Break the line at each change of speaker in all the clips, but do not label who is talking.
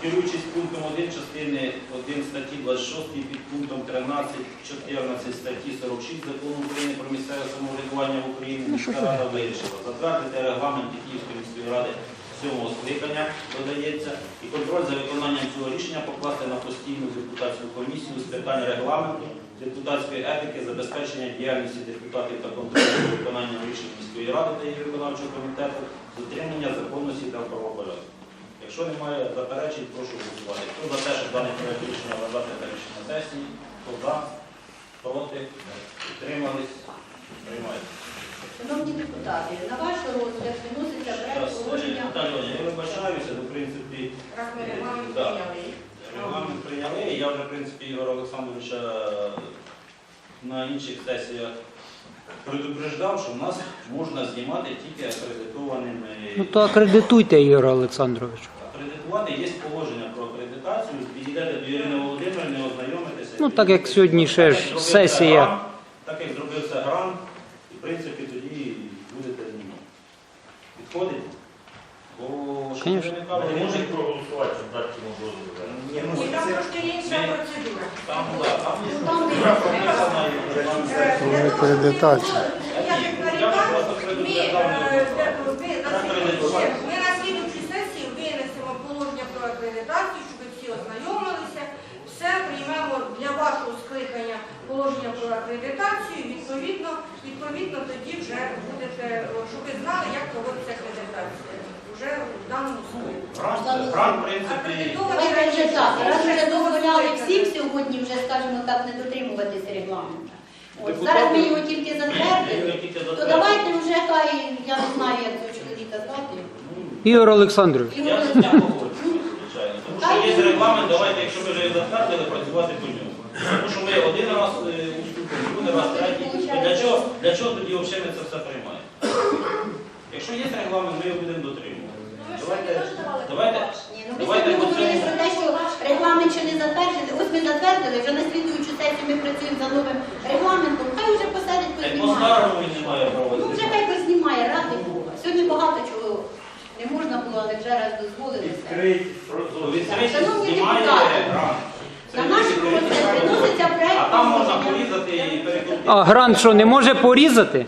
керуючись пунктом 1 частини 1 статті 26 під пунктом 13-14 статті 46 Закону України про місцеве самоврядування в Україні, міська рада вирішила затвердити регламент Київської міської ради 7-го скликання, додається, і контроль за виконанням цього рішення покласти на постійну депутатську комісію з питань регламенту, депутатської етики, забезпечення діяльності депутатів та контролю за виконанням рішень міської ради та її виконавчого комітету, дотримання законності та правопорядку. Якщо немає заперечень, прошу голосувати. Хто за те, щоб дане проект рішення вважати та рішення сесії, хто за, проти, утримались, приймається.
Шановні депутати, на ваш розгляд виноситься проект положення.
Наталія, я вибачаюся, в принципі, регламент прийняли. Я вже, в принципі, Ігора Олександровича на інших сесіях предупреждав, що в нас можна знімати тільки акредитованими.
Ну то акредитуйте, Ігор Олександрович.
Акредитувати, є положення про акредитацію, підійдете до Ірини Володимирівни, ознайомитеся.
Ну так як сьогодні ще ж сесія.
Так як зробився грант, і в принципі тоді будете знімати. Підходить? Бо що не виникало,
Не можуть проголосувати, щоб дати йому дозвіл.
ні,
Там трошки інша процедура.
там
Акредитація.
Я як ми на слідчій сесії винесемо положення про акредитацію, щоб ви всі ознайомилися. Все приймемо для вашого скликання положення про акредитацію. Відповідно тоді вже будете, щоб ви знали, як проводиться акредитація. Вже в даному скликанні.
грант, в принципі,
Давайте вже так, раз вже дозволяли всім сьогодні вже, скажімо так, не дотримуватися регламенту. От, зараз ми його тільки затвердили, то давайте вже, хай, я не знаю, як цього чоловіка звати.
Ігор Олександрович.
Ігор
я з ним погоджуюсь, звичайно. Тому що є регламент, давайте, якщо ви вже його затвердили, працювати по ньому. Тому що ми один раз уступимо, другий раз, третій. Для чого тоді взагалі ми це все приймаємо? Якщо є регламент, ми його будемо дотримувати. Давайте.
Ні, ну ви сьогодні говорили про те, що регламент ще не затверджений. Ось ми затвердили, вже на слідуючу сесію ми працюємо за новим регламентом. Хай вже посадять,
По
познімає.
старому він не має права.
Ну вже хай познімає, ради Бога. Сьогодні багато чого не можна було, але вже раз дозволили.
Відкритість знімає грант.
На наш розгляд приноситься проект.
А там можна порізати і перекрутити.
А грант що, не може порізати?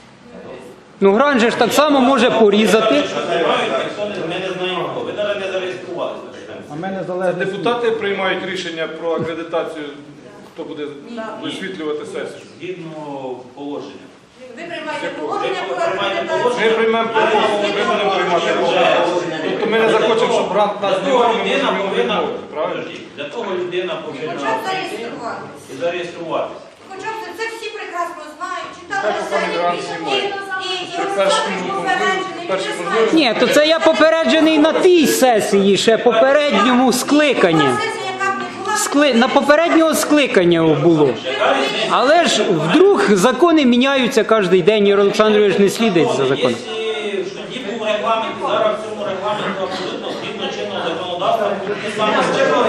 Ну грант же ж так само може порізати.
Ми не знаємо кого. Ви навіть не зареєструвалися.
А мене залежить.
Депутати приймають рішення про акредитацію, хто буде висвітлювати сесію.
Згідно положення.
Ви приймаєте положення про
Ми
акредитацію.
приймемо положення, ми будемо приймати положення. Тобто ми не захочемо, щоб грант нас
Для того
знімав, ми
людина
можемо
повинна,
відмовити, правильно?
для того людина повинна
Хоча б
прийти
зареєструватися.
і зареєструватися.
Хоча б це всі прекрасно знають, читали
Так, пане Грант знімає.
і
Це
Олександрович попереджений,
перші
він
можливості.
знає.
Ні, то це я попереджений на тій сесії, ще попередньому скликанні.
Була сесія, яка б не була,
На попереднього скликання було. Але ж вдруг закони міняються кожен день, Ігор Олександрович не слідить за законом.
Якщо тоді був регламент, і зараз в цьому регламенті абсолютно згідно чинного законодавства, і саме з чого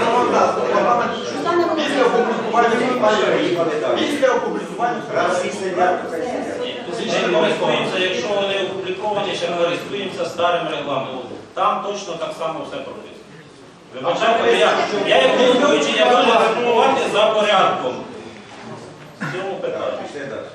Після опублікування
ще користуємося, якщо вони опубліковані, ще користуємося старим регламентом. Там точно так само все прописано. Вибачайте, я як головуючий, я можу реформувати за порядком. В цьому питанні.